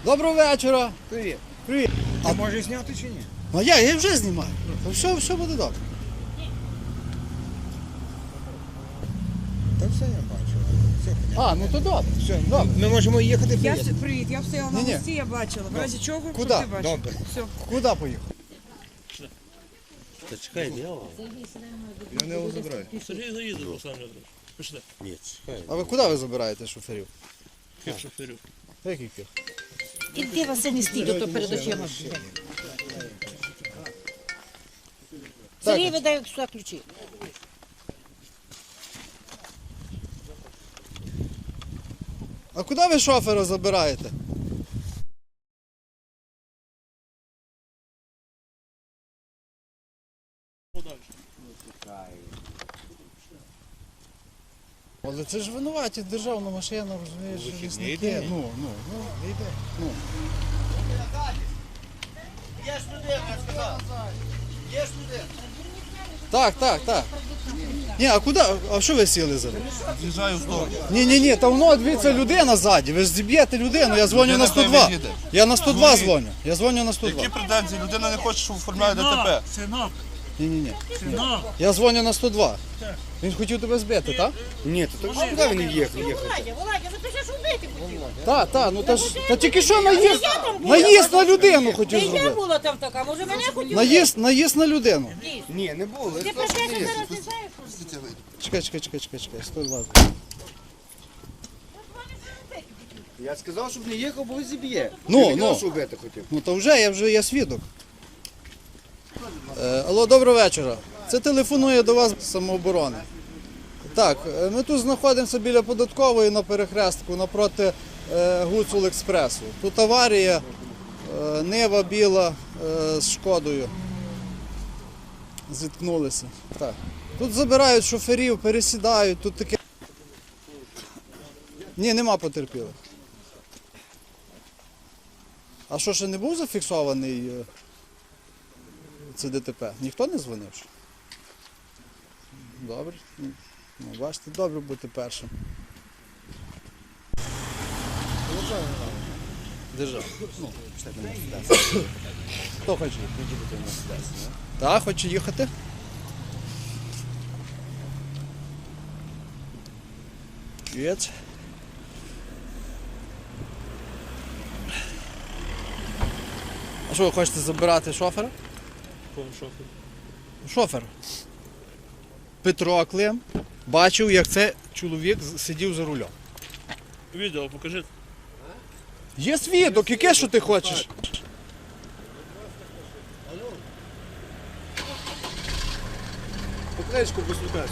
Доброго вечора. Привіт. Привіт. А може зняти чи ні? А я вже знімаю. Все буде добре. Та все я бачу. Все понятно. А, ну то добре. Все, Добре. ми можемо їхати. Привіт, я стояла на Ні-ні. мості, я бачила. В разі чого, Куди? щоб ти бачив. Добре. Все. Куди поїхав? Та чекай, не його. Я не його забираю. Сергій заїде, Руслан Леонідович. Пішли. Ні, чекай. А ви куди ви забираєте шоферів? Ких шоферів. Яких? Іди, Василь, не стій, то перед очима. Сергій видає сюди ключі. А куди ви шофера забираєте? Але це ж винуваті державна машина, розумієш, лісники. Ну, не йде. Ну. Так. Ні, а куди? А що ви сіли за? З'їжджаю в сторону. Ні, та воно, дивіться, людина ззаді, ви ж зіб'єте людину, я дзвоню на 102. Я на 102 дзвоню, я дзвоню на 102. Які претензії? Людина не хоче, щоб оформляє ДТП. Синок, Ні. синок. Я дзвоню на 102. Він хотів тебе збити, так? Ні, то куди він їхав? Володя, ви ти ж убити хотів. Так, ну та тільки що наїзд на людину хотів Я зробити. була там така, може мене хотів. Наїзд на людину. Ні, не було. Ти про те, що зараз не знаєш? Чекай, 102. Я сказав, щоб не їхав, бо зіб'є. Ну. Я не казав, що вбити хотів. Ну то вже я свідок. Алло, доброго вечора. Це телефонує до вас з самооборони. Так, ми тут знаходимося біля податкової на перехрестку напроти Гуцул Експресу. Тут аварія, Нива біла з Шкодою. Зіткнулися. Так. Тут забирають шоферів, пересідають, тут таке. Ні, нема потерпілих. А що, ще не був зафіксований це ДТП? Ніхто не дзвонив? Ще? Добре. Ну, бачите, добре бути першим. Держава. Ну, хто хоче їхати? Так, хоче їхати. Привіт. А що, ви хочете забирати шофера? Кого шофер? Шофер. Петро Клим бачив, як цей чоловік сидів за рулем. Відео покажи. Є свідок, яке що ти хочеш? Покличку послухайся.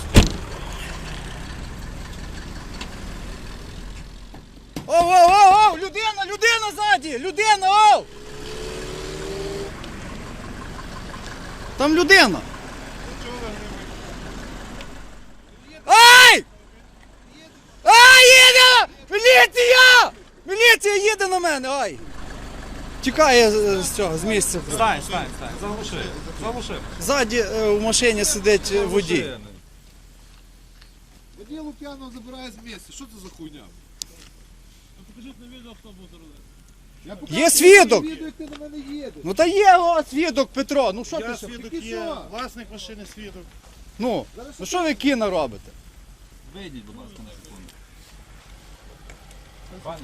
Оу! Людина ззаді! Людина, оу! Там людина! Ай! Ай, їде! Міліція! Міліція їде на мене, ай! Тікає з місця. Стань, заглуши. Ззаді в машині сидить водій. Водій Лук'янов забирає з місця. Що це за хуйня? Покажіть на відео, хто був за рулем. Я Є свідок! відео, як ти на мене їдеш. Ну та є свідок, Петро, ну що ти Я ще? свідок є, власник машини свідок. Ну що ви кіно робите? Вийдіть, будь ласка, на секунду. Пане,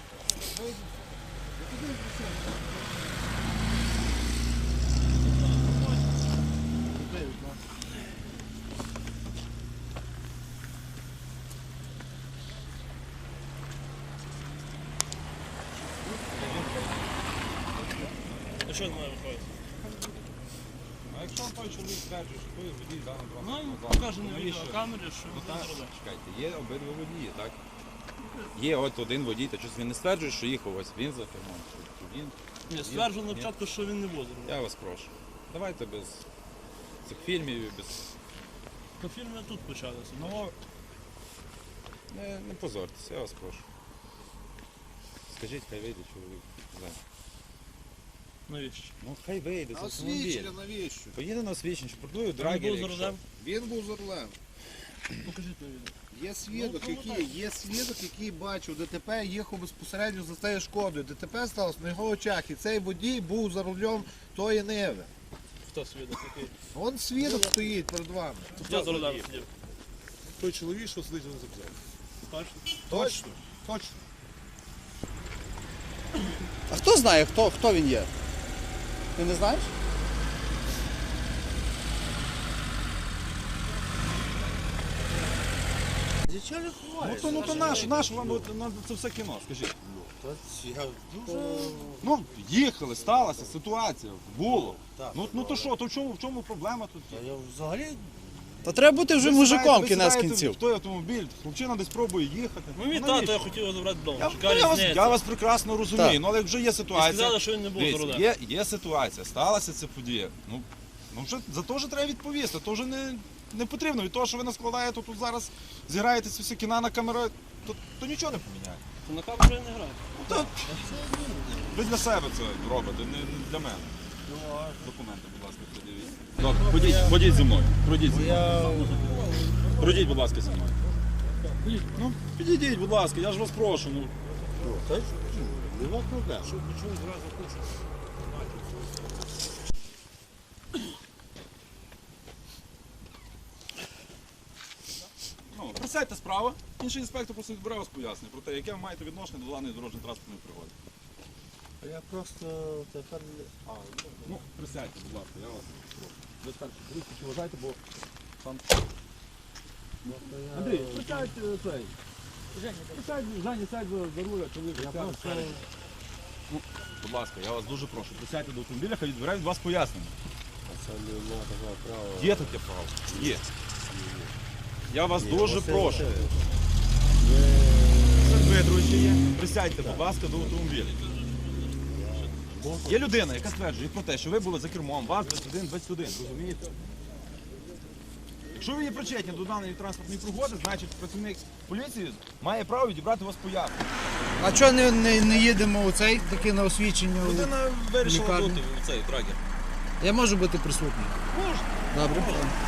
А що з мене виходить? а якщо той чоловік стверджує, що ви водій даного Ну, транспортного покаже на засобу, відеокамері, що він за рулем. Чекайте, є обидва водії, так? Є от один водій, та щось він не стверджує, що їхав ось він за кермом. Чи він. Ні, стверджував на початку, що він не був за рулем. Я вас прошу. Давайте без цих фільмів і без. То фільми тут почалися. Ну, не позорьтеся, я вас прошу. Скажіть, хай вийде чоловік. Навіщо? Ну хай вийде з автомобіля. освідчення навіщо? Поїде на освічення, що продує Він драгер. був за рулем. Він був за рулем. Покажіть на відео. Є свідок, який бачив ДТП, їхав безпосередньо за цією шкодою. ДТП сталося на його очах, і цей водій був за рулем тої Ниви. Хто свідок який? Вон свідок стоїть перед вами. Я за рулем сидів. Той чоловік, що сидить на запзяв. Точно? Точно, точно. А хто знає, хто він є? Ти не знаєш? Нічого не ховаєш. Ну то наш вам це все кіно, скажіть. Ну, їхали, сталася ситуація, було. Ну то що, то в чому проблема тут? Я взагалі Та треба бути вже Ви мужиком сідаєте кінець в кінців. той автомобіль, хлопчина десь пробує їхати. Ну мій Навіщо? тато, я хотів його забрати вдома. Я, Чекали я, вас, зняється. я вас прекрасно розумію, Так. ну але як вже є І ситуація. сказали, що він не був за Дивіться, рулем. є ситуація, сталася ця подія. Ну вже за то вже треба відповісти. То вже не потрібно. Від того, що ви наскладаєте тут зараз, зіграєте ці всі кіна на камеру, то нічого не поміняє. На камеру я не граю. Ви для себе це робите, не для мене. Документи, будь ласка, придивіть. Добре, ходіть зі мною. Пройдіть зі мною. Пройдіть, будь ласка, зі мною. Ну, підійдіть, будь ласка, я ж вас прошу. Ну. нема проблем. Ну, присядьте справа, інший інспектор просто відбере вас пояснення про те, яке ви маєте відношення до даної дорожньо-транспортної пригоди. Я просто тепер не... Ну, присядьте, будь ласка, я вас прошу. Ви старші, трішки вважайте, бо там... Андрій, присядь цей. Женя, сядь за руля, чоловік, сядь. Ну, будь ласка, я вас дуже прошу, присядьте до автомобіля, хай відбере від вас пояснення. Це немає такого права. Є таке право? Є. Я вас дуже прошу. Дмитрович ще є. Присядьте, будь ласка, до автомобіля. Є людина, яка стверджує про те, що ви були за кермом, вас 21, розумієте? Якщо ви є причетні до даної транспортної пригоди, значить працівник поліції має право відібрати у вас пояснення. А чого не їдемо у цей таке на освідчення? Людина вирішила Лікарня. бути в цей трагер. Я можу бути присутній? Можна. Добре.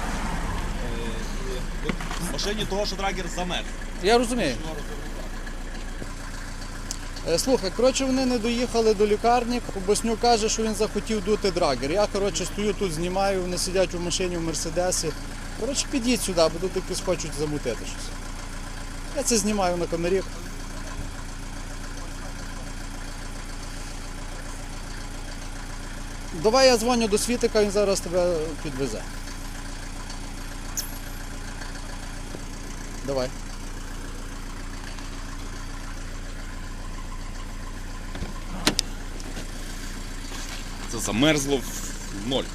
В машині того, що драгер замер. Я розумію. Слухай, коротше, вони не доїхали до лікарні. Боснюк каже, що він захотів дути драгер. Я, коротше, стою тут, знімаю, вони сидять у машині в Мерседесі. Коротше, підіть сюди, бо тут якось хочуть замутити щось. Я це знімаю на камері. Давай я дзвоню до Світика, він зараз тебе підвезе. Давай. Це замерзло в ноль.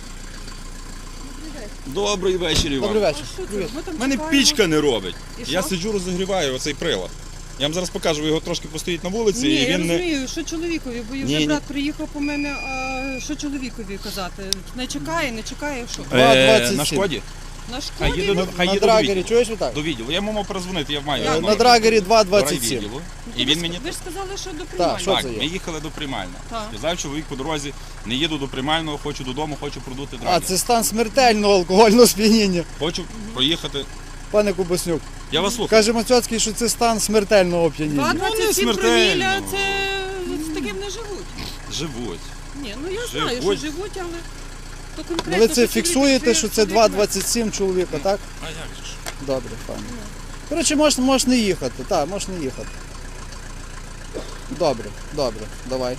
Добрий вечір, Іван. Добрий вечір. Привіт. У мене пічка не робить. І Я що? сиджу, розігріваю оцей прилад. Я вам зараз покажу, ви його трошки постоїть на вулиці, Ні, і я він не. розумію, що чоловікові, бо Ні, вже ні. брат приїхав по мене, а що чоловікові казати? Не чекає, що? 2,27. На шкоді? На Хай шкоді? їде, хай На їде до драгері, відділу. чуєш отак? До відділу. Я йому мав перезвонити, я маю. Як? На драгері До 2,27. райвідділу. І він мені Ви ж сказали, що до Так, приймальні. що так, це є? ми їхали до приймального. Так. Сказав чоловік по дорозі, не їду до приймального, хочу додому, хочу продути А, драгер. це стан смертельного алкогольного сп'яніння. Хочу проїхати. Пане Кубаснюк, Я вас слухаю. каже Мацьоцький, що це стан смертельного оп'яніння. 2,27 смертельно. проміля, це з таким не живуть. Живуть. Ні, ну я знаю, що Живуть. живуть, але то Ну, конкретно. ви це що фіксуєте, чоловік- що це 2,27 чоловіка, так? А як же ж? Добре, пане. Коротше, можеш не їхати, так, можеш не їхати. Добре, давай.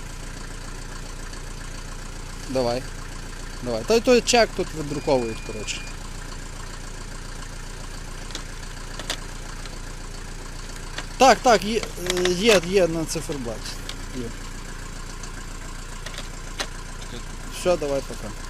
Давай. Той чек тут видруковують, коротше. Так, є на циферблаті. Є. Все, давай пока.